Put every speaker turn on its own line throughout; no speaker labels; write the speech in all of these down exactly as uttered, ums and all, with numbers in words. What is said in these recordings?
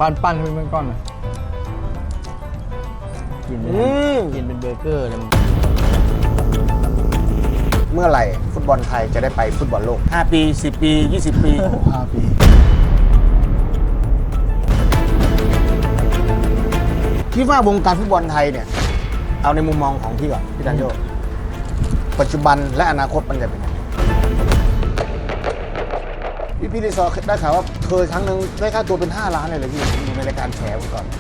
ปั้นปั้นให้เป็นก้อนนะกินกินเป็นเบอร์เกอร์เลยมึง
เมื่อไหร่ฟุตบอลไทยจะได้ไปฟุตบอลโลกห้าปีสิบปียี่สิบปี
ห้าปี
คิดว่าวงการฟุตบอลไทยเนี่ยเอาในมุมมองของพี่ก่อนพี่ดันโยปัจจุบันและอนาคตมันจะเป็นยังไงพี่พี่รีซอร์ได้ข่าวว่าเคยครั้งหนึ่งได้ค่าตัวเป็นห้าล้านเลยเลยพี่อยู่ในรายการแฉก่อน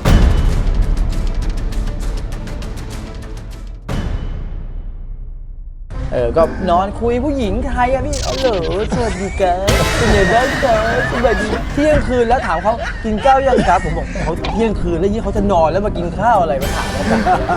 เออก็นอนคุยผู้หญิงไทยอะพี่เอาเหรอสวัสดีครับเป็นไงบ้างครับสวัสดีเที่ยงคืนแล้วถามเขากินข้าวยังครับผมบอกเขาเที่ยงคืนแล้วยี่เขาจะนอนแล้วมากินข้าวอะไรมาถามแล้วกัน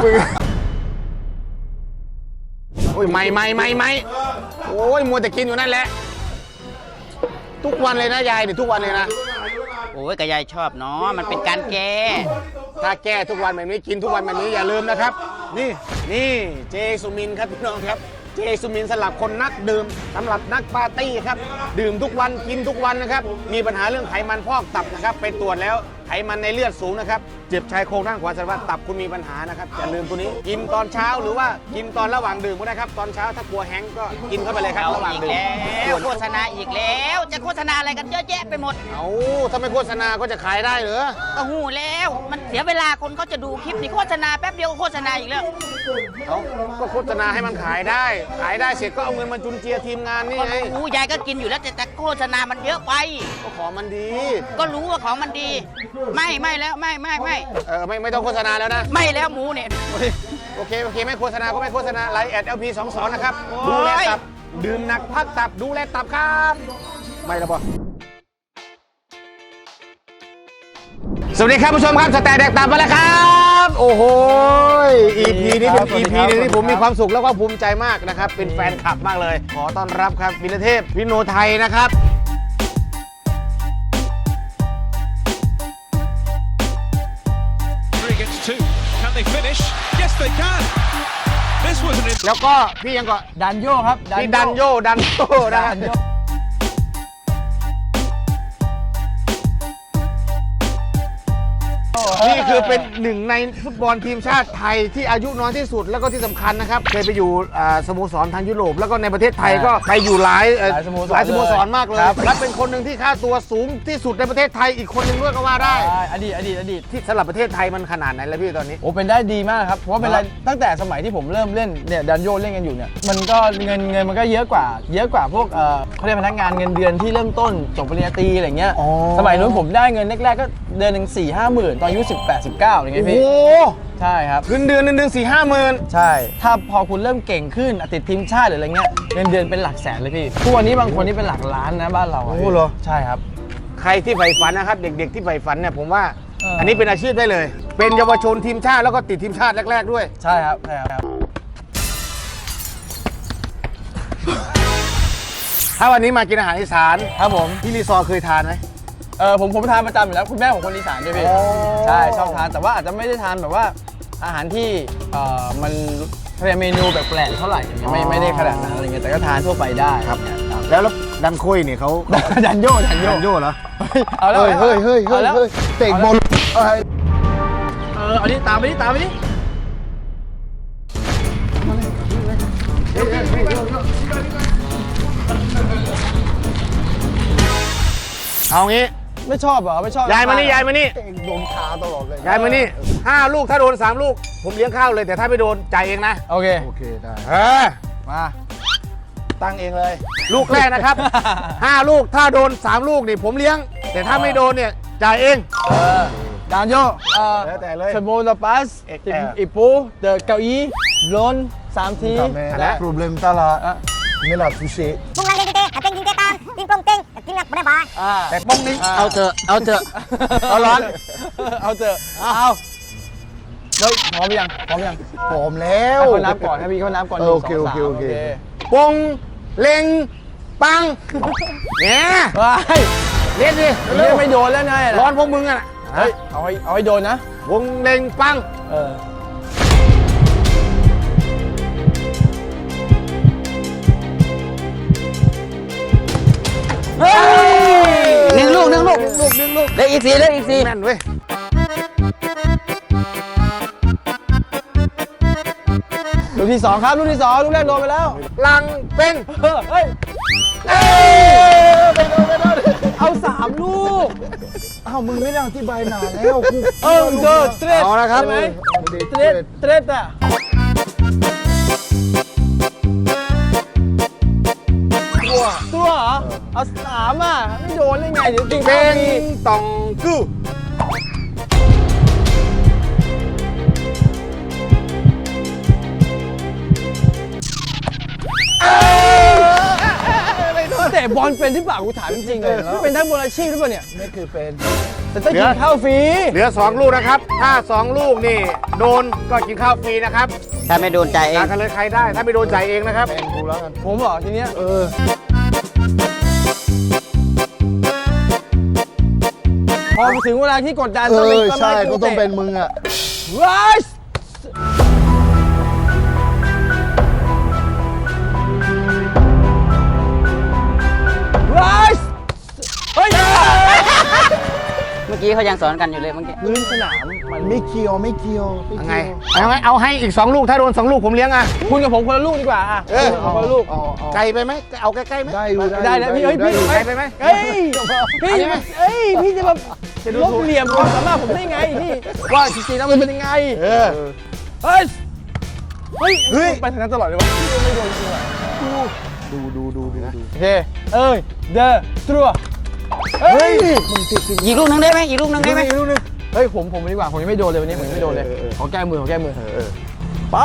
โอ้ยไม่ไม่ไม่ไม่โอ้ยมัวแต่กินอยู่นั่นแหละทุกวันเลยนะยายเนี่ยทุกวันเลยนะ
โอ้ยก็ยายชอบเนาะมันเป็นการแก้
ถ้าแก้ทุกวันแบบนี้กินทุกวันแบบนี้อย่าลืมนะครับนี่นี่เจสุมินครับพี่น้องครับเจสุมินสำหรับคนนักดื่มสำหรับนักปาร์ตี้ครับดื่มทุกวันกินทุกวันนะครับมีปัญหาเรื่องไขมันพอกตับนะครับไปตรวจแล้วไขมันในเลือดสูงนะครับเจ็บชายโครงด้านขวาสารพัดตับคุณมีปัญหานะครับอย่าลืมตัวนี้กินตอนเช้าหรือว่ากินตอนระหว่างดื่มก็ได้ครับตอนเช้าถ้ากลัวแห้งก็กินเข้าไปเลยครับระหว่างดื่ม
แล้วโฆษณาอีกแล้วจะโฆษณาอะไรกันเยอะแยะไปหมด
เอาถ้าไม่โฆษณาก็จะขายได้เหรอ
ก็หูแล้วมันเสียเวลาคนเขาจะดูคลิปนี่โฆษณาแป๊บเดียวก็โฆษณาอีกแล้ว
เอาก็โฆษณาให้มันขายได้ขายได้เสร็จก็เอาเงินมาจุนเจือทีมงานนี่ไง
โอ้ยายก็กินอยู่แล้วแต่แต่โฆษณามันเยอะไป
ก็ของมันดี
ก็รู้ว่าของมันดีไม่ไม่แล้วไม่ไม่ไม่
เออไม่ไม่ต้องโฆษณาแล้วนะ
ไม่แล้วหมูเนี่ย
โอเคโอเคไม่โฆษณาก็ไม่โฆษณาไลน์แอด แอล พี สองสิบสอง นะครับดูแลตับดื่มหนักพักตับดูแลตับครับไม่ละบ่สวัสดีครับผู้ชมครับสแตนแดกตับมาแล้วครับโอ้โห อี พี นี้เป็น อี พี นึงที่ผมมีความสุขแล้วก็ภูมิใจมากนะครับเป็นแฟนคลับมากเลยขอต้อนรับครับวินเทพวิโนไทยนะครับแล้วก็พี่ยังก็
ดันโยครับ
พี่ดันโยดันโยดันโยนี่คือเป็นหนึ่งในฟุตบอลทีมชาติไทยที่อายุน้อยที่สุดแล้วก็ที่สำคัญนะครับเคยไปอยู่สโมสรทางยุโรปแล้วก็ในประเทศไทยก็ไปอยู่หลายหลายสโมสรมากเลยและเป็นคนหนึ่งที่ค่าตัวสูงที่สุดในประเทศไทยอีกคนหนึ่งด้วยก็ว่าได้
อดีตอดีตอดีต
ที่สำหรับประเทศไทยมันขนาดไหนแล้วพี่ตอนนี้
โอ้เป็นได้ดีมากครับเพราะเป็นอะไรตั้งแต่สมัยที่ผมเริ่มเล่นเนี่ยดันโยเล่นกันอยู่เนี่ยมันก็เงินเงินมันก็เยอะกว่าเยอะกว่าพวกเขาเรียกพนักงานเงินเดือนที่เริ่มต้นจบปริญญาตรีอะไรเงี้ยสมัยนู้นผมได้เงินแรกๆก็เดือนหนึ่งสี่ห้าหมื่นตอนอายุสิบแปดสิบเก้าอะไรเงี้ยพี่
โอ้
ใช่ครับ
เงินเดือนเดือนหนึ่งสี่ห้าหมื่น
ใช่ถ้าพอคุณเริ่มเก่งขึ้นติดทีมชาติหรืออะไรเงี้ยเงินเดือนเป็นหลักแสนเลยพี่ทุกวันนี้บางคนนี่เป็นหลักล้านนะบ้านเรา
โอ้เหรอ
ใช่ครับ
ใครที่ใฝ่ฝันนะครับเด็กๆที่ใฝ่ฝันเนี่ยผมว่าอันนี้เป็นอาชีพได้เลยเป็นเยาวชนทีมชาติแล้วก็ติดทีมชาติแรกๆด้วย
ใช่ครับใช่ครับ
ถ้าวันนี้มากินอาหารอีสาน
ครับผม
พี่รีซอร์เคยทานไหม
เออผมผมทานประจำอยู่แล้วคุณแม่ผมคนอีสานด้วยพี่ใช่ชอบทานแต่ว่าอาจจะไม่ได้ทานแบบว่าอาหารที่เอ่อมันเมนูแบบแปลกเท่าไหร่ไม่ไม่ได้ขนาดนั้นอะไรเงี้ยแต่ก็ทานทั่วไปได้
ครับแล้วดันคุยเนี่ยเขา
ดันโยดันโย
ดันโยเหรอ
เอาแล้ว
เฮ้ยเฮ้ยเฮ้ยเฮ้ยเตะบอล
เออเอาดิตามไปดิตามไปดิ
เอางี้
ไม่ชอบเหรอไม่ชอบ
ยายมานี่ยายมานี่
โดนขาตลอดเลย
ยายมานี่ห้าลูกถ้าโดนสามลูกผมเลี้ยงข้าวเลยแต่ถ้าไม่โดนจ่ายเองนะ
โอเค
โอเคได้เออมาตั้งเองเลยลูกแรกนะครับห้าลูกถ้าโดนสามลูกนี่ผมเลี้ยงแต่ถ้าไม่โดนเนี่ยจ่ายเอง
เออดานโยเออ
แล้วแต่เลย
สโมลปัสอีปูเดอะเก้าอี้ล้นสามที
และ
problem tak lah inilah pusing
Bung lang dito, ating dito tan, ting plong ting, ting nak berapa?
แต่ป้องนี้เอาเถอะเอาเถอะเอาร้อน
เอาเถอะเอาเฮ้ยพร้อมยังพร้อมยัง
พร้อมแล้ว
ให้เขานับก่อนให้พี่เขานับก่อน
โอเคโอเคโอเคปงเล็งปังเนี่ยเล่นดิ
เล่นไม่โดนแล้วไง
ร้อนพวกมึงอ่ะ
เฮ้ยเอาให้เอาให้โดนนะ
วงเล็งปัง
เออ
หนึ่งลูกหนึ่งลูก
หนึ่งลูกหนึ่งลูก
เหลืออีกสี่เลยอีกสี่
แม่นเว้ย
ลูกที่สองครับลูกที่สองลูกแรกโดนไปแล้ว
ลังเป็น
เออเฮ้ยเอ้ยไปโดนไปโดนเอาสามลูก
อ้าวมึงไม่ได้อธิบายนานแล้วกู
เออเจอสเตรท
เอาละครับ
ใช่ไหมสเตรทสเตรทอะตัวตัวเหรอเอาสามอ่ะไม่โดนได้ไงเดี๋ยวกิน
เป็
ข้าวน ฟรี
ตองกู้
แต่บอลเป็นที่เปล่ากูถามจริงๆเลยเป็นทั้งบอลอาชีพหรือเปล่าเนี่ย
ไม่คือเป็น
แต่ต้องกินข้าวฟรี
เหลือสองลูกนะครับ ถ้าสองลูกนี่โดนก็กินข้าวฟรีนะครับ
ถ้าไม่โดนใจเอง
ต่างกันเลยใครได้ ถ้าไม่โดนจ่ายเองนะครับ
เป็นกูแล้วกัน
ผมบอกทีเนี้ย
เออ
พอถึงเวลาที่กดดัน
เอ
ต้องเป็น
อ
ต้น
ใช่
ไม้
ก็ต้องเป็นมึงอ่ะ
ไรส์ไรส์เฮ้ย
เมื่อกี้เขายังสอนกันอยู่เลยเมื่อกี้
พื้นสนามมัน
ไม่เคียวไม่เคียวม่
ยัง
เกี่
ไง
ยว
เอาไงเอาให้อีกสองลูก ถ้าโดนสองลูกผมเลี้ยงอ่ะ
คุณกับผมคนละลูกดีกว่าอ่ะ
เออ
คุณกับผมคนละลูก
เอาเอา
ไกลไปไหมเอาใกล้ๆไหม
ได้อยู่
ได้แล้วพี่เอ้ย
ได้
พี่
อยู่
ไกลไปไหม
เฮ้ยพี่
เอาได้ไหม
เอ้ยพี่จะมาลบเหลี่ยมความสามารถผมได้ไงพี่ว่าจริงๆแล้วมันเป็นยังไง
เออ
เฮ้ยเฮ้ย
เฮ้ย
ไปทางนั้นตลอดเลยวะไม่โดนจริงว่ะ
ดูดูดูดูดู
โอเคเอ้ยเดอะตรัวเฮ้ย
มึงติดสิ
อีกลูกหนึงได้ไหมอีกลูกหนึงได้ไหม
อีกลูกนึงเฮ้ยผมผมดีกว่าผมยังไม่โดนเลยวันนี้ผมยังไม่โดนเลยขอแก้มือขอแก้มือไป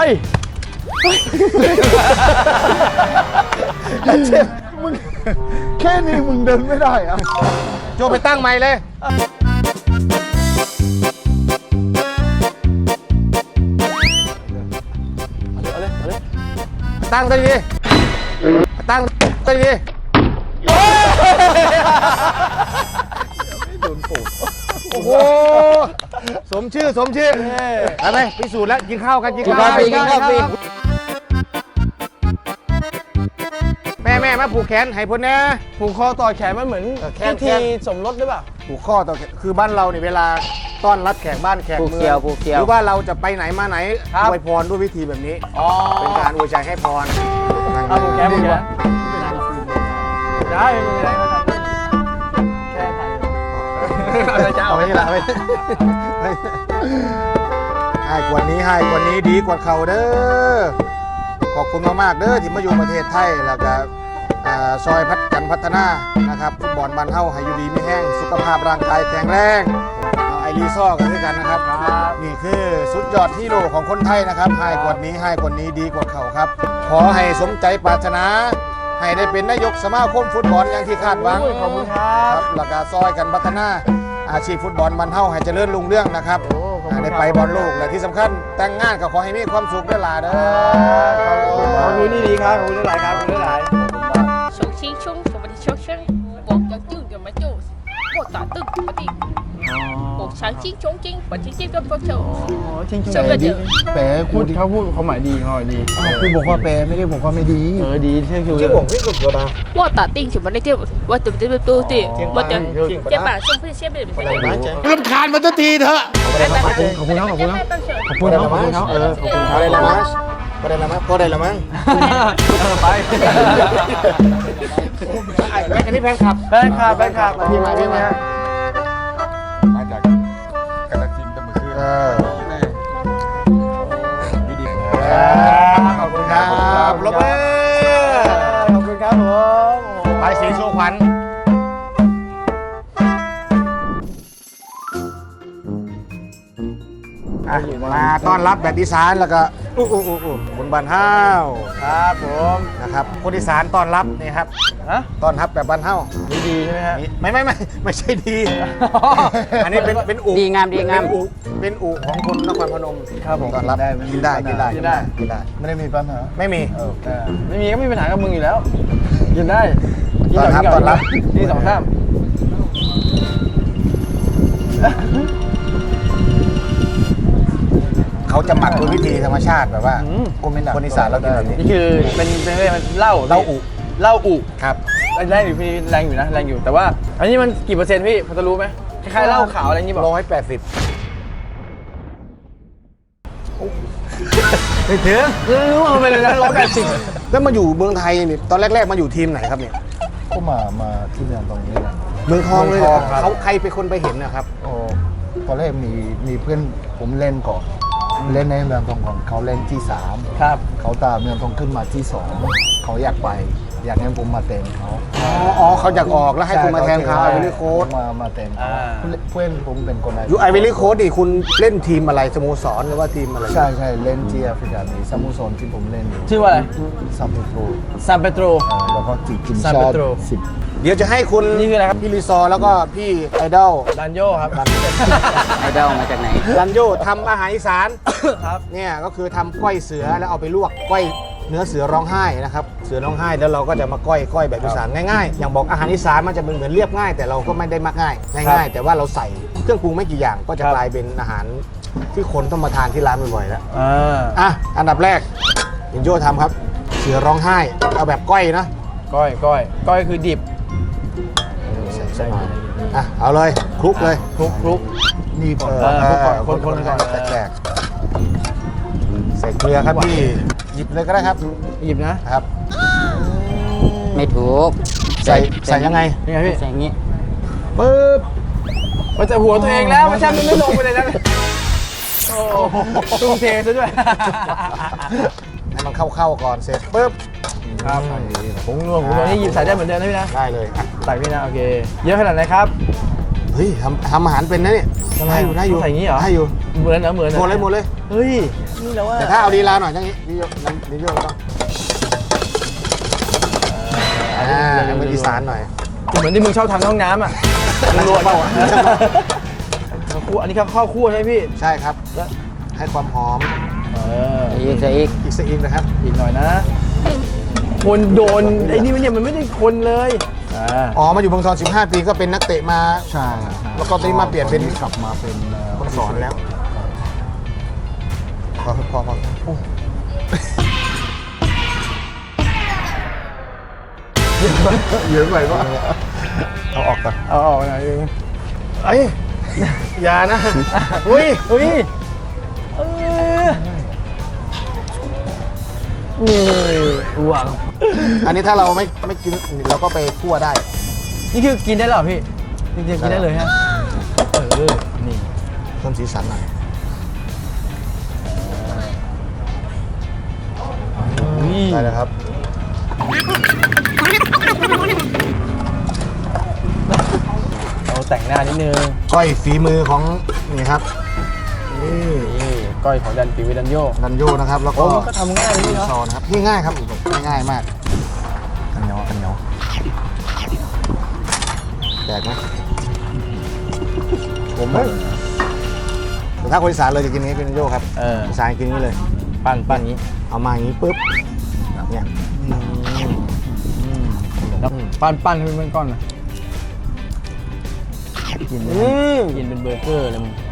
เจ็บมึงแค่นี้มึงเดินไม่ได้อ่ะ
โจไปตั้งใหม่เลย
เอาเลยเอาเลย
ตั้งตัวดีตั้งตัวดีโอ้โห สมชื่อสมชื่อไปไหมพิสูจน์แล้วกินข้าวกันกินข้าว
กินข้าวฟรี
แม่แม่มาผูกแขนให้พ้นนะ
ผูกคอต่อแขนมันเหมือน
เออแขน
พิธีสมรสหรือเปล่า
ผูกข้อต่อแขนคือบ้านเราเนี่ยเวลาต้อนรับแขกบ้านแขก
ผูก
เมื
เกี่
อ
ยว
ง
ผูกเกี่ย
ห
ว
รือว่าเราจะไปไหนมาไหน
ครับ
อวยพรด้วยวิธีแบบนี้
อ๋อ
เป็นการอวยใจให้พร
เอาผูกแขนผูกแขนได้ไม่เป็นไรไม่เป็นไรแค่ถ่ายเอาเลยจ้า
เอาไปนี่ละเอาไปให้กว่านี้ให้กว่านี้ดีกว่าเขาเด้อขอบคุณมากๆเด้อที่มาอยู่ประเทศไทยแล้วก็อ่าซอยพัฒกันพัฒนานะครับฟุตบอลบ้านเฮาให้อยู่ดีไม่แห้งสุขภาพร่างกายแข็งแรงเอาไอรีซ่อกันด้วยกันนะครับ นี่คือสุดยอดฮีโร่ของคนไทยนะครับให้กว่านี้ให้กว่านี้ดีกว่าเขาครับ ขอให้สมใจปรารถนา ให้ได้เป็นนายกสมาคมฟุตบอลอย่างที่คาดหวัง
ขอบคุณครับ
แล้วก็ซอยกันพัฒนาอาชีพฟุตบอลมันเท่าให้เจริญรุ่งเรื่องนะครับ
โอ้ขอบคุณครับ
ได้ไปบอลโลกและที่สำคัญแต่งงานก็ขอให้มีความสุขด้วยล่ะเด้อ
ขอบคุณนี่ดีครับขอบคุณหลายครับขอบคุณหลาย
手心胸，什么的手身，我叫舅舅嘛舅，我打ตึก我的，我长筋中筋，我筋筋都不抽，
จริง
什么的。
แปล
พู
กู
ด
ดิ
เขาพูดเขาหมายดีเขาหมายดี
กูบอกว่าแปลไม่ได้บอกว่าไม่ดี
เออดีเชื่อคิวเลย
我打定什么的就我对不对不对，我的肩膀上不是先被人家
รำคาญมันจะทีเถอะ
ขอบคุณครับขอบคุณครับ
ขอบ
ขอบคุณครับขอบคุณครับเออขอบคุณค
พ
รั
อบ ได้ละมั้งพอได้ละมั้งพอได้ละมั้ง
ไป
ไอ้อันนี้แฟนคลับ
แฟนคลับแฟนคลับมาที่มาที่มา
มาจากกาฬสินธุ์แต่เมื่อคืน
เออ
อยู่ดี
ขอบคุณครับลบมือ
ขอบคุณครับผม
ไปสีสู้ขวัญอ่ะมาต้อนรับแบบอีสานแล้วก็อู้อู้อู้อู้คนบ้านห้าว
ครับผม
นะครับคนอีสานต้อนรับนี่ครับ
ฮะ
ต้อนรับแบบบ้านห้าว
ดีดีใช่ไหมฮะ
นี่ไม่ไม่ไม่ไม่ใช่ดี อันนี้เป็นเป็นอุ
ดีงามดีงาม
เป็นอุเป็นอุของคนนครพนม
ครับผม
ต้อนรับกินได้กินได้
กินได้
กินได้
ไม่ได้มีปัญหา
ไม่มี
เออไม่มีก็ไม่มีปัญหากับมึงอยู่แล้วกินได้กิน
ต้อนรับ
ก่
ต้อนรับ
นี่สองสาม
เขาจะหมักโดยวิธีธรรมชาติแบบว่าคนอีสานเรากินแบบนี้
นี่คือเป็นเป็นเรื่องมันเหล้า
เหล้าอุ
เหล้าอุ
ครับ
แรงอยู่พี่แรงอยู่นะแรงอยู่แต่ว่า อันนี้มันกี่เปอร์เซ็นต์พี่พอจะรู้ไหมคล้ายๆเหล้าขาวอะไรอย่างงี้บอก
ร้อยแปดสิบ
ไม่ถึงรู้ว่ามันเป็นอะไรนะร้อยแปดสิบ
แล้วมาอยู่เมืองไทยนี่ตอนแรกๆมาอยู่ทีมไหนครับเนี่ย
ก็มามาที่เมืองตรงนี้แหละ
เมืองทองเลย
เมืองทองครับ
เขาใครเป็นคนไปเห็นนะครับ
โอ้ตอนแรกมีมีเพื่อนผมเล่นก่อนเล่นในเมืองทองของเขาเล่นที่สาม
ครับ
เขาตามเมืองทองขึ้นมาที่สองเขาอยากไป อยากให้ผมมาเต็มเขา
อ๋ออ๋อเขาอยากออกแล้วให้คุณมาแทนเขาไอวิลี่โค้ด
มามาเต็มเขา
อ่า
เพื่อนผมเป็นคนไหน
อยู่ไอวิลี่โค้ดดิคุณเล่นทีมอะไรสโมสรหรือว่าทีมอะไร
ใช่ใช่เล่นที่แอฟริกามีสโมสรที่ผมเล่นอยู่
ชื่อว่าอะไร
ซัมเปโตร
ซานเปโตร
อ่าแล้วก็ทีม
San
ชาติ
Pedro
สิบ
เดี๋ยวจะให้คุณ
นี่คืออะไรครับ
พี่รีซอร์แล้วก็พี่ไอดอล
ดันโยครับ
ไอดอลมาจากไหน
รันโยทำอาหารอีสาน
ครับ
เนี่ยก็คือทำก้อยเสือแล้วเอาไปลวกก้อยเนื้อเสือร้องไห้นะครับเสือร้องไห้แล้วเราก็จะมาก้อยก้อยแบบอีสานง่ายๆอย่างบอกอาหารอีสานมันจะเป็นเหมือนเรียบง่าย แต่เราก็ไม่ได้มักง่ายง่ายๆแต่ว่าเราใส่เครื่องปรุงไม่กี่อย่างก็จะกลายเป็นอาหารที่คนต้องมาทานที่ร้านบ่อยๆแล้ว
อ่า
อ่ะอันดับแรกยินโยทำครับ เสือร้องไห้เอาแบบก้อยนะ
ก้อยก้อยก้อยคือดิบ
ใส่ใส่มาอ่ะเอาเลยคลุกเลย
คลุกคลุก
นี่ก่อน
เออคลุกก่อนคนคนก่อน
แตกๆใส่เกลือครับพี่หยิบเลยก็ได้ครับ
หยิบนะ
ครับ
ไม่ถูก
ใส่ใส่ยังไง
ยังไงพี่
ใส่อย่างงี้
ปึ๊บมันจะหัวตัวเองแล้วไม่ใช่มันไม่ลงไปเลยนะโอ้โหตุ้งเทซะด้วย
ให้มันเข้าๆก่อนเสร็จปุ๊บ
ครับผงนัวผงนัวนี่หยิบใส่ได้เหมือนเดิมนะพี่นะ
ได้เลยอ่ะ
ใส่พี่นะโอเคเยอะขนาดไหนครับ
เฮ้ยทำทำอาหารเป็นนะเนี่ย
ทำไม
ได้อยู่ได้อยู่
ใส่อย่างนี้เหรอ
ได้อยู่
เหมือนเหรอเหมือนรอ
หมดเลยหมดเลย
เฮ้ยนี่แล้วว่า
แต่ถ้าเอาดีลาหน่อยอย่างนี้ดีโยน้ำดีโยต้องอ่าให้มันอีสานหน่อย
เหมือนที่มึงชอบทำในห้องน้ำอ่ะมึงรวน
เปล่าอ่ะ
ข้าวคั่วอันนี้ข้าวข้าวคั่วใช่ไหมพี่
ใช่ครับให้ความหอม
เออ
อีกใส่อีก
อีกสักอีกนะครับ
อีกหน่อยนะ คนโดนไอ้นี่มันเนี่ยมันไม่ได้คนเลยอ่า
อ๋อมาอยู่เมืองทองสิบห้าปีก็เป็นนักเตะมา
ใช่
แล้วก็ตอนนี้มาเปลี่ยนเป็น
กลับมาเป็นเอ่อ
คนสอนแล้วพอพอพอโอ้
เยอะไปปะ
เอาออกก่อน
เอาออกหน่อยนึง
เอ้ยอย่านะอุ้ย
เฮ้ยเออนี่หวัง
อันนี้ถ้าเราไม่ไม่กินเราก็ไปคั่วได้
นี่คือกินได้เหรอพี่จริงๆกินได้เลยฮะเออนี่
เพิ่มสีสันหน่อย
อุ้ย
ได้เลยครับ
เราแต่งหน้านิดนึง
ก้อยฝีมือของนี่ครับนี่
นี่ก้อยของดันปีวิดันโย
ดันโยนะครับ แล้ว
โอ้
ก็
มันก็ทำง่ายเลยพี่เนาะ
ซอนะครับนี่ง่ายครับง่ายๆมากกันเหนียวกันเหนียวแตกไหมผมไหมแต่ถ้าคนอีสานเลยจะกินอย่างนี้เป็นดันโยครับ
เออ
อีสานกินอย่างนี้เลย
ปั้นปั้นอย่างนี้
เอามาอย่างนี้ปุ๊บเนี่ย
แล้วปั้นปั้นให้เป็นก้อนนะกินเลย
อืม
กินเป็นเบอร์เกอร์เลยมึง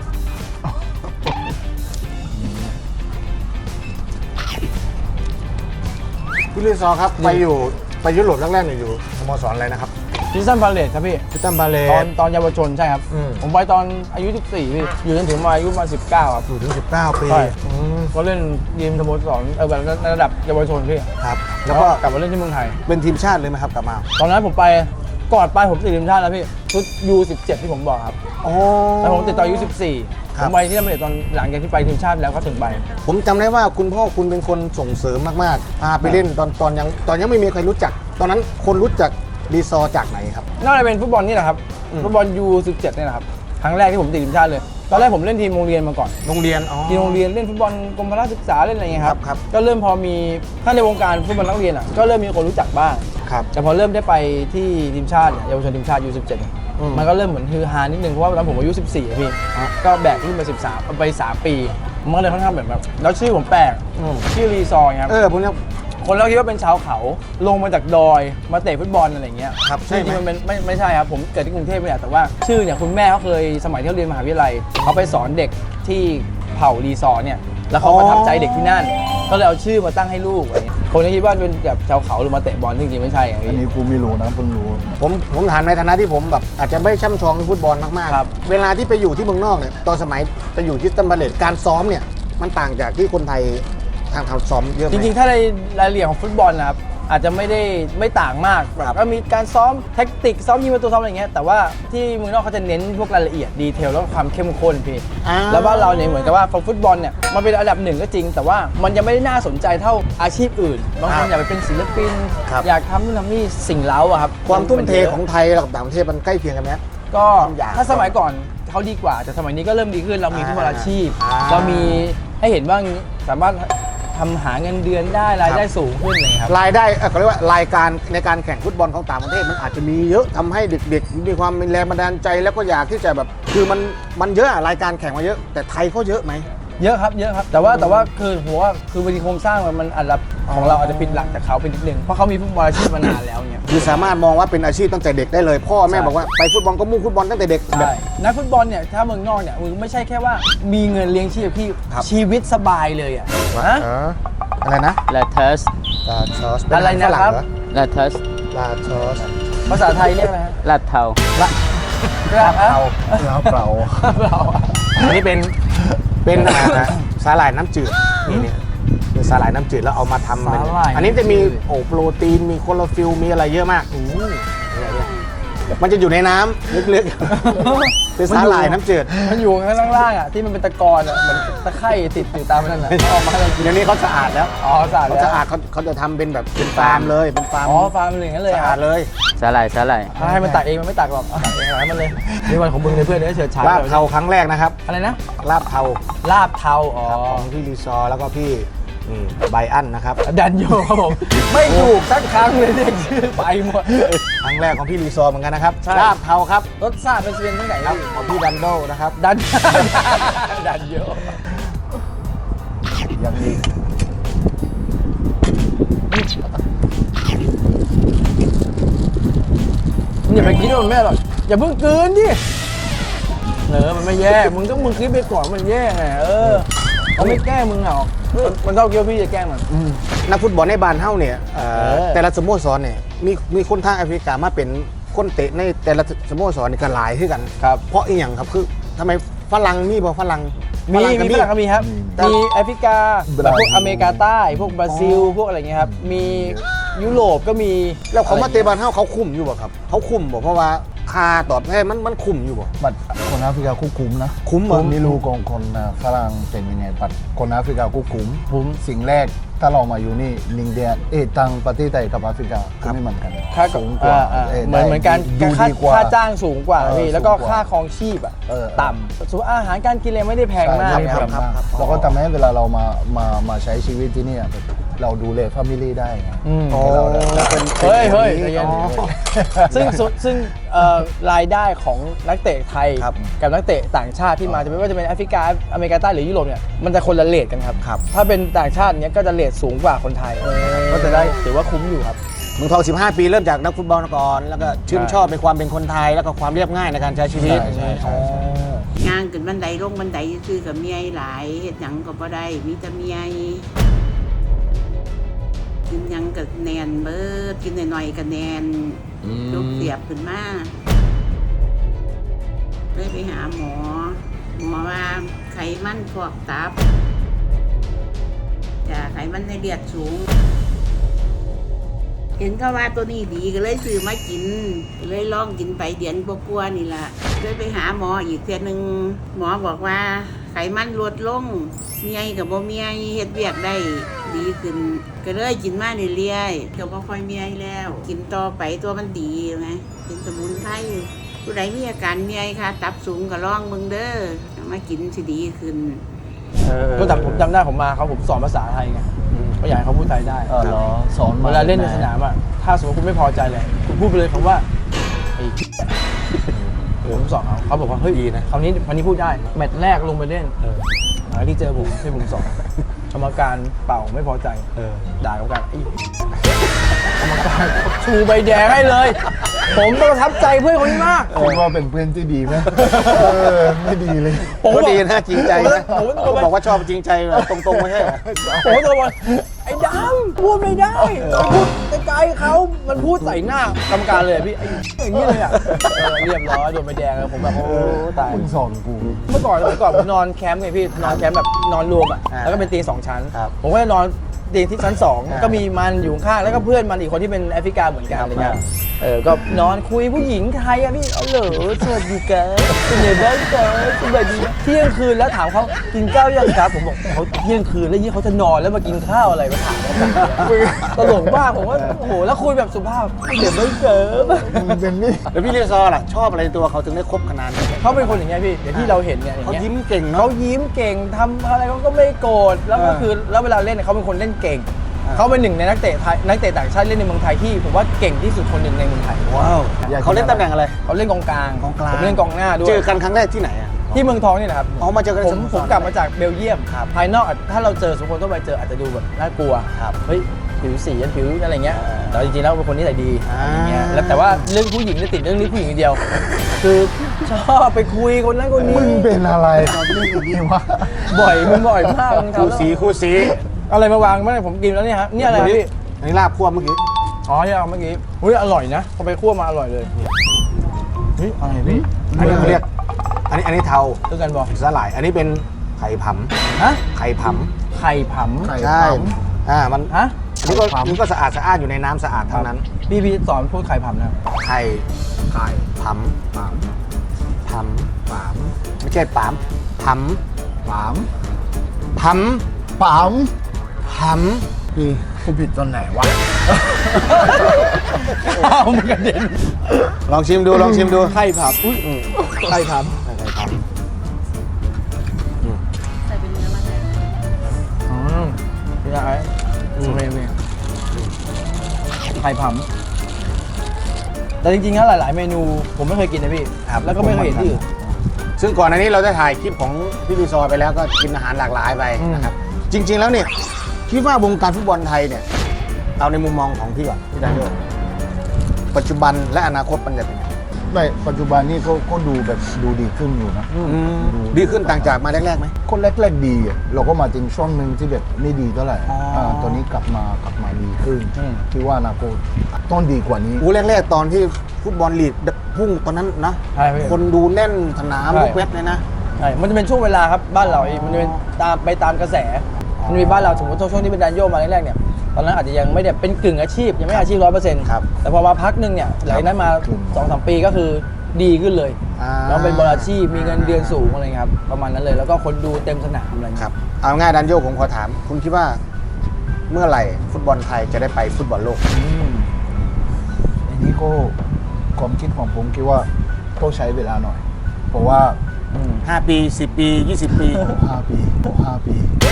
พี่ลิซอครับไปอยู่ไปยุโรปแรกๆเนี่ยอยู่สโมสรอะไรนะครับ
พิซซันพาเลทครับพี่
พิตัมบาเล
ตอนตอนเยาวชนใช่ครับ
อืม
ผมไปตอนอายุสิบสี่พี่ อยู่จนถึงมาอายุมาสิบเก้าครับ
อยู่ถึงสิบเก้าปี
ใช่
อืม
ก็เล่นทีมสโมสรเออแบบในระดับเยาวชนพี่
ครับ
แล้
แล้ว ว
ก็
ก็
กลับมาเล่นที่เมืองไทย
เป็นทีมชาติเลยไหมครับกลับมา
ตอนนั้นผมไปก่อนไปผมติดทีมชาติแล้วพี่ชุด ยู สิบเจ็ด ที่ผมบอกครับ
โอ้
แล้วผมติดตอนอายุสิบสี่
ค
ผ
รับ
มไปที่นั่นไม่ได้ตอนหลังจากที่ไปทีมชาติแล้วก็ถึงไป
ผมจำได้ว่าคุณพ่อคุณเป็นคนส่งเสริมมากๆพาไปเล่นตอนตอนยังตอนยังไม่มีใครรู้จัก ตอนนั้นคนรู้จักรีซอร์จากไหนครับ
น่าจะเป็นฟุตบอลนี่แหละครับ
อืม
ฟุตบอล ยู สิบเจ็ด นี่แหละครับครั้งแรกที่ผมติดทีมชาติเลยตอนแรกผมเล่นทีมโรงเรียนมาก่อน
โรงเรียนอ๋อ
ทีมโรงเรียนเล่นฟุตบอลกรมพละศึกษาเล่นอะไรเงี้ยครับ
ครับ
ก็เริ่มพอมีถ้าในวงการฟุตบอลนักเรียนอ่ะก็เริ่มมีคนรู้จักบ้าง
ครับ
แต่พอเริ่มได้ไปที่ทีมชาติเนี่ยเยาวชนทีมชาติ ยู สิบเจ็ด เนี่ย
อืม
มันก็เริ่มเหมือนฮือฮานิดนึงเพราะว่าตอนผมอายุสิบสี่อะพี่
ฮะ
ก็แบกขึ้นไปสิบสามไปสามปีมันก็เลยค่อนข้างแบบแบบแล้วชื่อผมแปลก
อืม
ชื่อรีซอร์ครับ
เออผมยัง
คนเราคิดว่าเป็นชาวเขาลงมาจากดอยมาเตะฟุตบอลอะไรอย่างเงี้ย
ครับใช่
จ
ไหม
ริงๆมันเป็นไม่ไม่ใช่ครับผมเกิดที่กรุงเทพเนี่ยแต่ว่าชื่อเนี่ยคุณแม่เขาเคยสมัยที่เขาเรียนมหาวิทยาลัยเขาไปสอนเด็กที่เผ่ารีซอร์เนี่ยแล้วเขาประทับใจเด็กที่นั่น ก็เลยเอาชื่อมาตั้งให้ลูกอะไรเงี้ยคนที่คิดว่าเป็นแบบชาวเขาหรือมาเตะบอลจริงๆไม่ใช่อย่าง
อัน
นี้
นี้กูไม่รู้นะเพิ่งรู้
ผมผมถามในฐานะที่ผมแบบอาจจะไม่ช่ำชองในฟุตบอลมาก
ครับ
ๆ เวลาที่ไปอยู่ที่เมืองนอกเนี่ยตอนสมัยไปอยู่ที่ตัมเบเลตการซ้อมเนี่ยมันต่างจากที่คนไทยทางทำซ้อมเยอะไหม
จริงๆ ถ้าในรายละเอียดของฟุตบอลนะครับอาจจะไม่ได้ไม่ต่างมากแบบก็มีการซ้อมแท็กติกซ้อมยิงประตูซ้อมอะไรเงี้ยแต่ว่าที่เมืองนอกเขาจะเน้นพวกรายละเอียดดีเทลแล้วก็ความเข้มข้นพี่
อ่า
แล้วบ้านเราเนี่ยเหมือนกับว่าฟุตบอลเนี่ยมันเป็นอันดับหนึ่งก็จริง แต่ว่ามันยังไม่ได้น่าสนใจเท่าอาชีพอื่นบางคนอยากไปเป็นศิลปิน
ครับ
อยากทำนู่นทำนี่สิ่งเล้าอะครับ
ความทุ่มเท
นยะ
ของไทยกับต่างประเทศมันใกล้เคียงกันไหม
ก็
อยาก
ถ้าสมัยก่อนเขาดีกว่าแต่สมัยนี้ก็เริ่มดีขึ้นเรามีทุกอาชีพ
อ่า
เรามีให้เห็นว่าสามารถทำหาเงินเดือนได้รายได้สูงขึ้นเลยครับ
รายได้เอ่อเขาเรียกว่ารายการในการแข่งฟุตบอลของต่างประเทศมันอาจจะมีเยอะทำให้เด็กๆมีความมีแรงบันดาลใจแล้วก็อยากที่จะแบบคือมันมันเยอะอะรายการแข่งมาเยอะ แต่ไทยเขาเยอะไหม
เยอะครับเยอะครับแต่ว่าแต่ว่าคือผมว่าคือบางทีโครงสร้างมันมันอาจจะของเราอาจจะผิดหลักจากเขาไปนิดนึงเพราะเขามีฟุตบอลอาชีพมานานแล้วเนี่ย
คือสามารถมองว่าเป็นอาชีพตั้งแต่เด็กได้เลย พ่อแม่
ใช่
บอกว่าไปฟุตบอลก็มุ่งฟุตบอลตั้งแต่เด็กแบ
ใช่
บ
นักฟุตบอลเนี่ยถ้าเมืองนอกเนี่ยมึงไม่ใช่แค่ว่ามีเงินเลี้ยงชีพพี่
ครับ
ชีวิตสบายเลยอ่ะฮะ
เอออะไรนะ
ลาทัส
ลาชอส
อะไรนะครับ
ลาทัส
ลาชอส
ภาษาไทยเรียกอะไรฮะ
ลาดเทา
กระเพรา
แล้วเปล่า
เรา
อันนี้เป็นเป็นอ่าสาหร่ายน้ำจืดนี่เนี่ยเป็นสาหร่ายน้ำจืดแล้วเอามาทำเป็นอันนี้จะมีโอ้โปรตีนมีโคโลฟิลมีอะไรเยอะมากมันจะอยู่ในน้ำลึกๆเป็นสาหร่ายน้ำจืด
มันอยู่ข้างล่างๆอ่ะที่มันเป็นตะกอนอ่ะเหมือนตะไคร่ติดอยู่ตามนั่นน่ะออกมาให้เรากิน
เดี๋ยวนี้เขาสะอาดแล้ว
อ๋อสะอาด
เขา
แล้ว
สะอาดเขาเขาจะทำเป็นแบบเป็นฟาร์มเลยเป็นฟาร์ม
อ๋อฟาร์มเป็นอย่างนั้นเลย
สะ
ค
อา
รั
ด
บ
เลย
สาหร่ายสาหร่าย
ถ้าให้มันตักเองมันไม่ตักหรอกเอาตักเองหลายมันเลยนี่วันของมึงเลยเพื่อนเดี๋ยวเฉิดฉาย
ลาบเทาครั้งแรกนะครับ
อะไรนะ
ลาบเทา
ลาบเทาอ๋อ
ครับของพี่รีซอร์แล้วก็พี่นี่ไบอันนะครับ
ดันโยครับผมไม่ถูกสักครั้งเลยเรียกชื่อไปหมด
ครั้งแรกของพี่รีซอร์เหมือนกันนะครับ
ใช่
ลาบเทาครับ
รสชาติเป็นเป็นที่ไหน
ครับ
พี่
ของพี่ดันโดนะครับ
ดัน ดันโย
อย่างนี้
อย่าไปคิดว่ามันไม่อร่อยอย่าเพิ่งกลืนดิเออมันไม่แย่มึงต้องมึงคิดไปก่อนมันแย่ไงเออเขาไม่แกล้งมึงหรอกมันเท่าเกี่ยวพี่จะแกล้งมัน
นักฟุตบอลในบ้านเฮ้าเนี่ยเอ่อ
เออ
แต่ละสโมสรเนี่ยมีมีคนทางแอฟริกามาเป็นคนเตะในแต่ละสโมสรนี่ก็หลายขึ้นกัน
ครับ
เพราะอีหยังครับคือทำไมฝรั่งมีบ่ฝรั่ง
มี
ก็
มีฝรั่งก็มีครับ มีแอฟริกาแบบพวกอเมริกาใต้ พวกบราซิล พวกอะไรเงี้ยครับ มียุโรปก็มี
แล้วเขามาเตะบ้านเฮ้าเขาคุ้มอยู่บ่ครับเขาคุ้มบ่เพราะว่าค่าตอบแทนมันมันคุ้มอยู่บ่
บัตรคนแอฟริกาคู่คุ้มนะ
คุ้มเหรอ
ไม่รู้ของคนอ่ะฝรั่งเป็นยังไงบัตรคนแอฟริกาคู่คุ้ม
คุ้ม
สิ่งแรกถ้าเรามาอยู่นี่ลิงเดียเอตังประเทศไทยกับแอฟริกาก็ไม่เหมือนกัน
ค่า
สูงกว่า
อ่า
เออ
เหมือนเหมือนกัน
ดู
ค่า
ดีกว่า
ค่าจ้างสูงกว่า
เออ
พี่แล้วก็
สูงกว่า
ค่าครองชีพอ่ะ
เออ
ต่ำส่วนอาหารการกินอะไรไม่ได้แพงมาก
ใช่
นะครับ
ไม่แพงมากแล้วก็ทำให้เวลาเรามามามาใช้ชีวิตที่เนี่ยเราดูแลฟามิลี่ได้ไง
อืม
อ๋อ
เราเป็น
เฮ้ยเฮ้ยใจเย็น
อ๋อ
ซึ่งซึ่งซึ่งเอ่อรายได้ของนักเตะไทย
ครับ
กับนักเตะต่างชาติที่มาจะไม่ว่าจะเป็นแอฟริกาอเมริกาใต้หรือยุโรปเนี่ยมันจะคนละเรทกันครับ
ครับ
ถ้าเป็นต่างชาติเนี้ยก็จะเรทสูงกว่าคนไทย ก็จะได้ถือว่าคุ้มอยู่ครับ
เมืองทองสิบห้าปีเริ่มจากนักฟุตบอลก่อนแล้วก็ชื่นชอบในความเป็นคนไทยแล้วก็ความเรียบง่ายในการใช้ชีวิต
ใช่ใช่ใช่ใช่
ย่างขึ้นบันไดลงบันไดซื้อกับเมียหลายเฮ็ดหยังก็บ่ได้มีแต่เมียกินหยังกับแนนเบิดกินหน่อยๆกับแนนลูกเสียบขึ้นมาเลยไปหาหมอ หมอว่าไขมันพอกตับจะไขมันในเลือดสูง เห็นเขาว่าตัวนี้ดีก็เลยซื้อมากินก็เลยลองกินไปเดือนกว่าๆนี่ล่ะเลยไปหาหมออีกเทื่อนึงหมอบอกว่าไขมันลดลงเมียกับบ่เมียเฮ็ดเวียกได้ดีขึ้นก็เลยกินมาเรื่อยๆก็บ่ค่อยเมียแล้ว กินต่อไปตัวมันดีไงเป็นสมุนไพรผู้ใดมีอาการเมียค่ะตับสูงก็ลองเบิ่งเด้อเอามากินสิดีขึ้น
ก็แต่ผมจำได้ผมมาเขาผมสอนภาษาไทยไงก็อยากให้เขาพูดไทยได้
เออเหรอสอนมา
เวลาเล่นในสนามอ่ะถ้าสมมติคุณไม่พอใจเลยคุณพูดไปเลยคำว่าไอ้ผมสอนเขาเขาบอกว่าเฮ้ยดีนะคราวนี้วันนี้พูดได้แมตช์แรกลงไปเล่นหาที่เจอผมที่ผมสอนกรรมการเป่าไม่พอใจด่ากรรมการไอ้กรรมการชูใบแดงให้เลยผมประทับใจเพื่อนคนนี้มาก
คิดว่าเป็นเพื่อนที่ดีไหมเออไม่ดีเลย
ผม
ก็
บอก
ดีนะจริงใจนะ
ผมก็
เขาบอกว่าชอบจริงใจแบบตรงๆไม่ใช่เหรอ
ผมก็บอกไอ้ดำพูดไม่ได้พูดไกลๆเขามันพูดใส่หน้ากรรมการเลยพี่ไอ้อย่างนี้เลยอ่ะเออเรียบร้อยโดนใบแดงเลยผมแบบโอ้ตาย
มึงสอนกู
เมื่อก่อนเมื่อก่อนผมนอนแคมป์ไงพี่นอนแคมป์แบบนอนรวมอ่ะแล้วก็เป็นเตียงสองชั้น ผมก็จะนอนเตียงที่ชั้นสองก็มีมันอยู่ข้างแล้วก็เพื่อนมันอีกคนที่เป็นแอฟริกาเหมือนกันอะไรเงี้ยเออก็นอนคุยผู้หญิงไทยอะพี่เออเหรอสวัสดีครับเป็นไงบ้างครับสวัสดีเที่ยงคืนแล้วถามเขากินข้าวยังครับผมบอกเขาเที่ยงคืนแล้วยี่เขาจะนอนแล้วมากินข้าวอะไรมาถามเขาตลกมากผมว่าโอ้โหแล้วคุยแบบสุภาพเดี๋ยวไม่เจอ
มึงเป็นนี่
แล้วพี่เรียซอร์ล่ะชอบอะไรในตัวเขาถึงได้คบขนาดนี้
เขาเป็นคนอย่างเงี้ยพี่อย่างที่เราเห็นเนี่ยอย่าง
เขา
เงี้ย
ยิ้มเก่ง
เขา
เนาะ
ยิ้มเก่งทำอะไรเขาก็ไม่โกรธแล้วก็คือแล้วเวลาเล่นเนี่ยเขาเป็นคนเล่นเก่ง
อ่า
เขาเป็นหนึ่งในนักเตะไทยนักเตะต่างชาติเล่นในเมืองไทยที่ผมว่าเก่งที่สุดคนหนึ่งในเมืองไทย
ว้าวเขาเล่นตำแหน่งอะไร
เขาเล่นกองกลาง
กองกลาง
ผมเล่นกองหน้าด้วย
เจอกันครั้งแรกที่ไหนอ่ะ
ที่เมืองทองนี่นะครับ
อ๋อมาเจอกันใน
ผม
สโมสร
ผมกลับมาจากเบลเยียมภายนอกอาจถ้าเราเจอสมมติทั่วไปเจออาจจะดูแบบน่ากลัว
ครับ
เฮ้ยผิวสีผิวอะไรเงี้ย
อ่า
แต่จริงๆแล้วเป็นคนนิสัยดี
อ่า
อย่างเงี้ยแล้วแต่ว่าเรื่องผู้หญิงเนี่ยติดเรื่องนี้ผู้หญิงอย่างเดียว คือชอบไปคุยคนนั้นคนนี้
มึงเป็นอะไรตอนนี้อย่างนี้วะ
บ่อยมึงบ่อยมากมึง
คู่
ทำ
สีคู่สี
อะไรมาวางไม่ได้ผมกินแล้วเนี่ยฮะนี่อะไรครับพี่
อันนี้ลาบคั่วเมื่อกี้
อ๋อที่เอาเมื่อกี้อุ้ยอร่อยนะพอไปคั่วมาอร่อยเลยเฮ้ยอะไรพี่
อันนี้เขาเรียก อันนี้อันนี้เทา
ตึกกันบอก
สาหร่าย อันนี้เป็นไข่ผำ
ฮะ
ไข่ผ
ไข่ผำ
ไข่
ำใช่ อ่า มัน
ฮะ
อันนี้ก็อันนี้ก็สะอาดสะอาดอยู่ในน้ำสะอาดทั้งนั้น
พี่พี่สอนพูดไข่ผำนะ
ไข่
ไข่
ผำ
ปาม
ผำ
ปาม
ไม่ใช่ปามผ
ปาม
ำผ
ปาม
ำผำ
พี่กูผิดตอนไหนวะ
ข้าวมันกระเด็น
ลองชิมดู ลองชิมดู
ไข่ผำอุ้ยไข่ผำ
ไข่ผำ
ใส่เป็นเนื้อมันเลย
อืมพี่นายโอเคโอเคไข่ผำแต่จริงๆแล้วหลาย ๆ เมนูผมไม่เคยกินนะพี่ครับแล้วก็ไม่เคยเห็นที่อื่น
ซึ่งก่อนอันนี้เราได้ถ่ายคลิปของพี่รีซอร์ไปแล้วก็กินอาหารหลากหลายไป
อืม
นะครับ จริง ๆ แล้วเนี่ยคิดว่าวงการฟุตบอลไทยเนี่ย เอาในมุมมองของพี่ก่อนพี่ดานโยปัจจุบันและอนาคตมันจะเป็นยังไง
ไม่ปัจจุบันนี่ก็ก็ดูแบบดูดีขึ้นอยู่นะ
ดีขึ้นต่างจากมาแรกๆไหม
คนแรกๆดีอะเราก็มาถึงช่วงหนึ่งที่แบบไม่ดีเท่าไหร่
อ๋ออ่
าตอนนี้กลับมากลับมาดีขึ้น
อืม
คิดว่าอนาคตต้องดีกว่านี้
อู้แรกๆตอนที่ฟุตบอลลีกพุ่งตอนนั้นนะ
ใช่พี่
คนดูแน่นสนาม
ใช่
ทุกเว็บเลยนะ
ใช่มันจะเป็นช่วงเวลาครับบ้านเราเองมันจะเป็นตามไปตามกระแส มันมีบ้านเราสมมติช่วงที่เป็นแดนโยมาแรกๆเนี่ยตอนนั้นอาจจะยังไม่ได้เป็นกึ่งอาชีพยังไม่อาชีพร้อยเปอร์เซ็นต์
ครับ
แต่พอมาพักหนึ่งเนี่ยหลังจากนั้นมาสองสามปีก็คือดีขึ้นเลย
อ่า
แล้วเป็นบอลอาชีพมีเงินเดือนสูงอะไรเงี้ยครับประมาณนั้นเลยแล้วก็คนดูเต็มสนามอะไรเงี้ย
ครับ เอาง่ายดันโยผมขอถาม คุณคิดว่าเมื่อไหร่ฟุตบอลไทยจะได้ไปฟุตบอลโลก
อืม
อันนี้ก็ความคิดของผมคิดว่าต้องใช้เวลาหน่อย เพราะว่า
อืม
ห้า ปี สิบ ปี ยี่สิบ ปี
ห้าปีห้าปี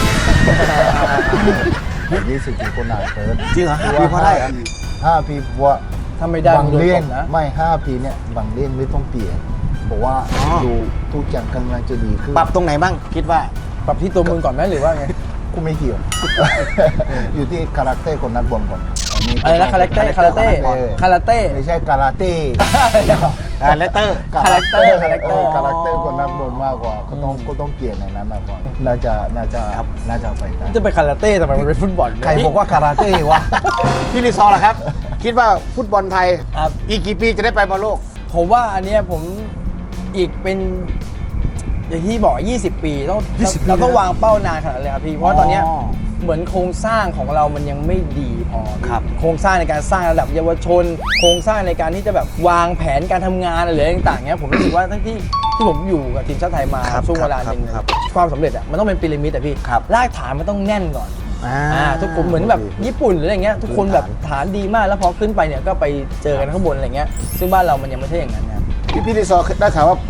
ยี่สิบปีก็นานเกิน
จริงเหรอห้าปีพอได้เหรอ
ห้าปีเพราะว่า
ถ้าไม่ได้
บาง
มันโดน
เล่
ต
น
บนะ
ไม่ห้าปีเนี่ยบางเล่นไม่ต้องเปลี่ยนเพราะว่า
อ๋อ
ดูทุกอย่างกำลังจะดีขึ้น
ปรับตรงไหนบ้าง คิดว่า
ปรับที่ตัวมึงก่อนไหมหรือว่าไง
กูไม่เกี่ยว อยู่ที่คาแรคเตอร์คนนักบอลก่อนอันนี้
อะไรนะคาแรคเตอร์คาราเต้คาราเต้
ไม่ใช่คาราเต้
อ่าเลตเตอร์
คาแรคเตอร์คาแรคเตอร์
คาแรคเตอร์คนนักบอลมากกว่าก็ต้องก็ต้องเปลี่ยนในนั้นมากกว่าน่าจะน่าจะน่าจะไปได้
จะไปคาราเต้ทำไมมันเป็นฟุตบอล
ใครบอกว่าคาราเต้วะ
พี่รีซอร์ล่ะครับ คิดว่าฟุตบอลไทย
ครับ
อีกกี่ปีจะได้ไปบอลโลก
ผมว่าอันเนี้ยผมอีกเป็นอย่างที่บอกยี่สิบปีต้อง
ยี่สิบปี
เราต้อง
นะ
วางเป้านานขนาดนั้นเลยครับพี่เพราะว่าตอนเนี้ย
อ๋อ
เหมือนโครงสร้างของเรามันยังไม่ดีพอ
ครับ
โครงสร้างในการสร้างระดับเยาวชน โครงสร้างในการที่จะแบบวางแผนการทำงานอะไรต่างๆเนี้ยผมรู้สึกว่าทั้งที่ที่ผมอยู่กับทีมชาติไทยมา
ครับ
ช่วงเวลาหนึ่ง
ครับ
ความสำเร็จอ่ะมันต้องเป็นพีระมิดอ่ะพี่
ครับ
รากฐานมันต้องแน่นก่อน
อ่า
อ่าทุกคนเหมือนแบบญี่ปุ่นหรืออะไรเงี้ยทุกคนแบบฐานดีมากแล้วพอขึ้นไปเนี่ยก็ไปเจอกันข้างบนอะไรเงี้ยซึ่งบ้านเรามันยังไม่ใช่อย่างนั้นนะ
พี่พี่รีซอร์ได้ข่าวว่า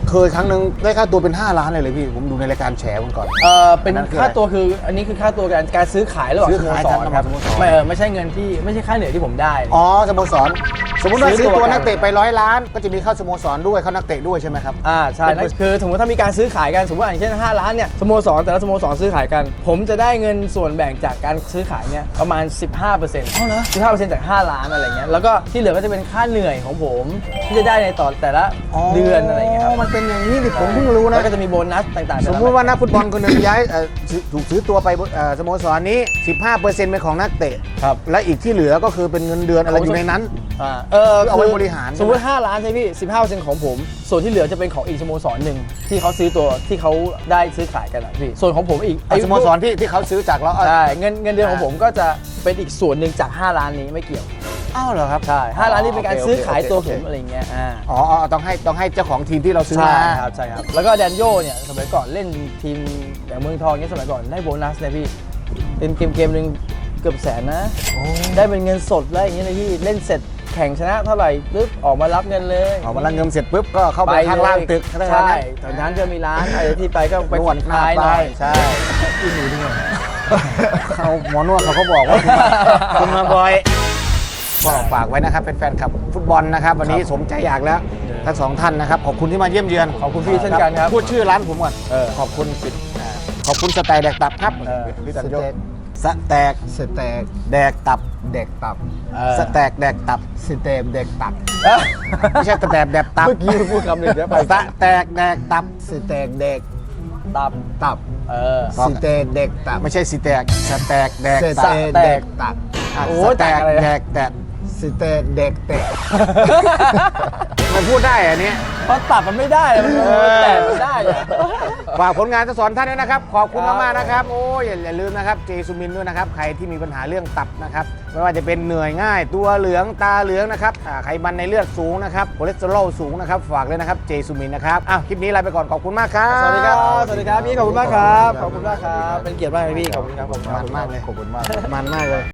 เคยครั้งหนึ่งได้ค่าตัวเป็นห้าล้านเลยเลยพี่ผมดูในรายการแฉวันก่อน
เออเป็น
อันนั้นคือ
ค่า
อะไร
ตัวคืออันนี้คือค่าตัวการการซื้อขายระหว่าง
ซื้อ
สโม
ขาย
ส
กัน
ร
ระห
ค
ว่า
รั
ง
บ
สโมสร
ไม่เออไม่ใช่เงินที่ไม่ใช่ค่าเหนื่อยที่ผมได้
อ๋อสโมสรสมมติว่า
ซื้
ซื้
อ
อ
ตัว
ตัวนักเตะไปร้อยล้าน ก็จะมีเข้าสโมสรด้วยเข้านักเตะด้วยใช่ไหมครับ
อ่าใช่นั่นคือสมมติถ้ามีการซื้อขายกันสมมติอย่างเช่นห้าล้านเนี่ยสโมสรแต่ละสโมสรซื้อขายกัน ผมจะได้เงินส่วนแบ่งจากการซื้อขายเนี่ยประมาณ สิบห้าเปอร์เซ็นต์
อ๋อเหรอ
สิบห้าเปอร์เซ็นต์จากห้าล้านอะไรเงี้ยแล้วก็ที่เหลือก็จะเป็นค่าเหนื่อยของผมที่จะได้ในต่อแต่ละเดือนอะไรเงี้ยครับ
มันเป็นอย่างนี้ดิผมเพิ่งรู้นะ
แล้วก็จะมีโบนัสต่างๆ
สมมติว่านักฟุตบอลคนหนึ่งย้ายเอ่อซื้อถูกซื้อตัวไปเอ่อสโมสรนี้ สิบห้าเปอร์เซ็นต์ เป็นของนักเตะ
ครับ
และอีกที่เหลือก็คือเป็นเงินเดือนอะไรอยู่ในนั้น
อ่าเออ
เอาไว้บริหาร
สมมติห้าล้านใช่พี่สิบห้าเปอร์เซ็นต์ของผม ส่วนที่เหลือจะเป็นของอีกสโมสรหนึ่งที่เขาซื้อตัวที่เขาได้ซื้อขายกันอะพี่ส่วนของผมอีก
ไอ้สโมสรที่ที่เขาซื้อจากเรา
ใช่เงินเงินเดือนของผมก็จะเป็นอีกส่วนหนึ่งจากห้าล้านนี้ไม่เกี่ยว
อ้าวเหรอครับ
ใช่ห้าล้านนี่เป็นการ
โอเค
ซื้อขาย
โอเค
ตัว
โอ
ผ
เค
มอะไรเงี้ยอ่า
อ๋ออ๋อต้องให้ต้องให้เจ้าของทีมที่เราซื้อ
ใช่
มา
ครับใช่ครับแล้วก็แดนโยเนี่ยสมัยก่อนเล่นทีมอย่างเมืองทองเนี่ยสมัยก่อนได้โบนัสเลยพี่เป็นเกมเกมหนึ่งเกือบแสนนะได้เป็นเงินสดแล้วอย่างเงี้ยเลยพี่เล่นเสร็จแข่งชนะเท่าไหร่ปุ๊บออกมารับเงินเลย
ออกมาลังเงินเสร็จปุ๊บก็เข้าไปข้างล่างตึก
ใช่ตอนนั้นจะมีร้านอะไรที่ไปก็ไป
นวดหน้า
คลายห
ไป
น่อย
ใช่ที่หนูด้วยเขาหมอนวดเขาก็บอกว่าคุณมาบ่อยก็ฝากไว้นะครับเป็นแฟนคลับฟุตบอลนะครับ วันนี้สมใจอยากแล้วทั้งสองท่านนะครับขอบคุณที่มาเยี่ยมเยือน
ขอบคุณพี่เช่นกันครับ
พูดชื่อร้านผมก่อน
เออ
ขอบคุณสิอ่าขอบคุณสแตกแดกตับครับ
เออ
พี่
ส
ตันโย
เต็ก
สแตก
สเต็ก
แดกตับ
เด็กตับ
เออ
สแตกแดกตับ
สเต็กเด็กตับ
เอ้ย
ไม่ใช่สแตกแดกตับ
เมื่อกี้พูดคำหนึ่งเดี๋ยวไป
สแตกแดกตับ
สเต็กเด็ก
ตับ
ตับ
เออ
สเต็กเด็กตับ
ไม่ใช่สีแตกสแตกแดก
ส
ตับ
เต็กเด็กตับ
อ่ะ
โอ้
ส
ย
แตก
ต่างอะไรนะ
แดกแดก
สเต็กเด็กเตะ
มันพูดได้อันนี้
เพราะตับมันไม่ได้มัน
เออ
แต่มันได้อะ
ฝากผลงานทั้งสองท่านด้วยนะครับ ขอบคุณมากๆนะครับ โอ้ยอย่าอย่าลืมนะครับเจซูมินด้วยนะครับ ใครที่มีปัญหาเรื่องตับนะครับ ไม่ว่าจะเป็นเหนื่อยง่าย ตัวเหลืองตาเหลืองนะครับอ่าไขมันในเลือดสูงนะครับคอเลสเตอรอลสูงนะครับ ฝากเลยนะครับเจซูมินนะครับอ้าวคลิปนี้ลาไปก่อนขอบคุณมากครับ
สวัสดีครับ สวัสดีครับพี่ขอบคุณมากครับ ขอบคุณมากครับ เป็นเกียรติมากเลยพี่ ขอบคุณครับผม
มันมากเลย
ขอบคุณมาก
มันมากเลย